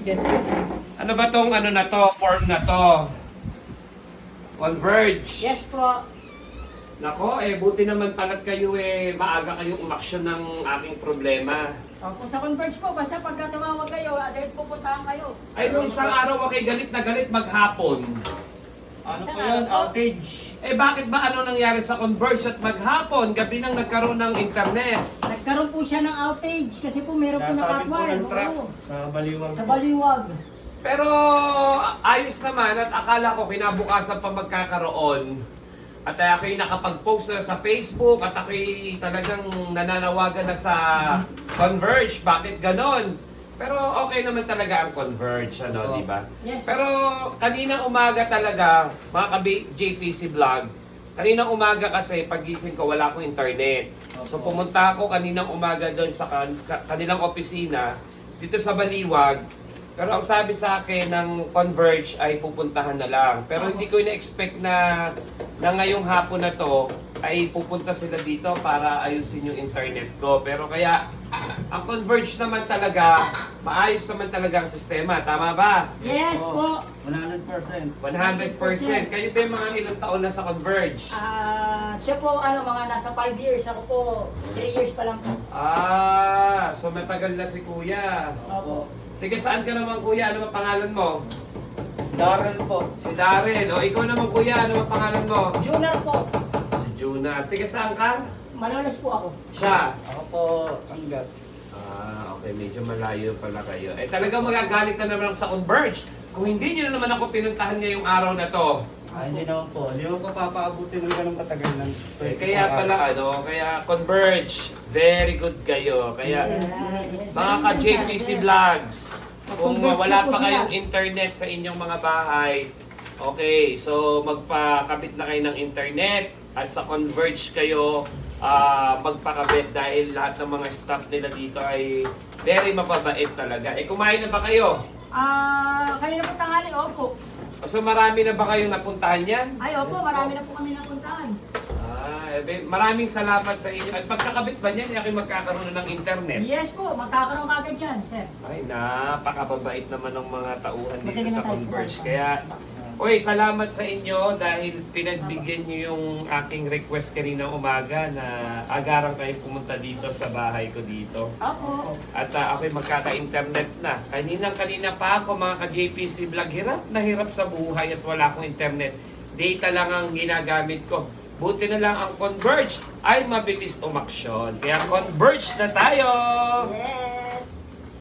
Ano ba tong ano na to, form na to? Converge. Yes po. Nako, buti naman pala't kayo maaga kayong umaksyon ng aking problema. Kung sa Converge po, basta pagka tumawag kayo, dahil pupuntahan kayo. Ay, nung isang araw ako galit na galit maghapon. Ano po yun? Outage. Bakit ba ano nangyari sa Converge at maghapon? Gabi nang nagkaroon ng internet. Nagkaroon po siya ng outage kasi po meron po Nasabit po nakatwal. ng truck sa baliwang. Sa baliwag. Pero ayos naman at akala ko kinabukasan pa magkakaroon. At ako'y nakapag-post na sa Facebook at ako'y talagang nananawagan na sa Converge. Bakit ganon? Pero okay naman talaga ang Converge, ano, di ba? Yes. Pero kanina umaga talaga, mga JPC Vlog, kanina umaga kasi pagising ko wala akong internet. So pumunta ako kaninang umaga doon sa kanilang opisina dito sa Baliwag. Pero ang sabi sa akin ng Converge ay pupuntahan na lang. Pero hindi ko ina-expect na ngayong hapon na to ay pupunta sila dito para ayusin yung internet ko. Pero kaya ang Converge naman talaga, maayos naman talaga ang sistema. Tama ba? Yes po. 100%. 100%. Kayo ba yung mga ilang taon na sa Converge? Siya po, mga nasa 5 years. Ako po, 3 years pa lang po. So matagal na si Kuya. Opo. Tiga saan ka naman Kuya? Ano ang pangalan mo? Darren po. Si Darren. O ikaw naman Kuya, ano ang pangalan mo? Junior po. Si Juna. Tiga saan ka? Malolos po ako. Siya. Ako po, Angat. Okay. Medyo malayo pala kayo. Talagang magagalit na naman ako sa Converge. Kung hindi nyo na naman ako pinuntahan ngayong araw na to. Hindi naman po. Hindi ko papaabutin ng ganong katagal ng Kaya pala kaya Converge, very good kayo. Kaya mga ka-JPC Vlogs, kung wala pa kayong internet sa inyong mga bahay, okay, so magpakabit na kayo ng internet at sa Converge kayo magpakabit dahil lahat ng mga staff nila dito ay very mapabait talaga. Kumain na ba kayo? Kanina po tanghali, opo. So marami na ba kayong napuntahan yan? Ay, opo, marami na po kami napuntahan. Maraming salamat sa inyo. At pagkakabit ba niyan, ako'y magkakaroon na ng internet? Yes po, magkakaroon kagad yan, sir. Ay, napakababait naman ng mga tauhan dito Matagal na sa tayo. Converge. Kaya, salamat sa inyo dahil pinagbigyan niyo yung aking request kaninang umaga na agarang kayo pumunta dito sa bahay ko dito. Opo. At ako'y magkaka-internet na. Kanina pa ako mga ka-JPC Vlog, hirap na hirap sa buhay at wala akong internet. Data lang ang ginagamit ko. Buti na lang ang Converge ay mabilis umaksyon. Kaya Converge na tayo! Yes.